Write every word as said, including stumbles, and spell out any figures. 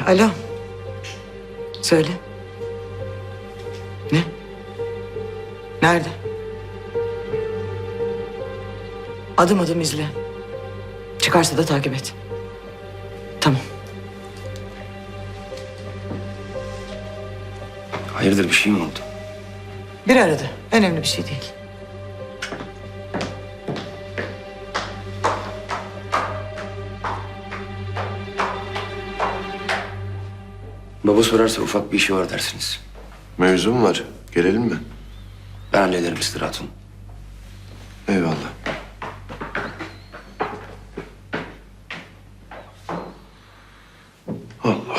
Alo. Söyle. Ne? Nerede? Adım adım izle. Çıkarsa da takip et. Tamam. Hayırdır, bir şey mi oldu? Bir aradı. Önemli bir şey değil. Baba sorarsa ufak bir işi var dersiniz. Mevzu mu var? Gelelim mi? Ben hallederim Mister Hatun. Eyvallah. Allah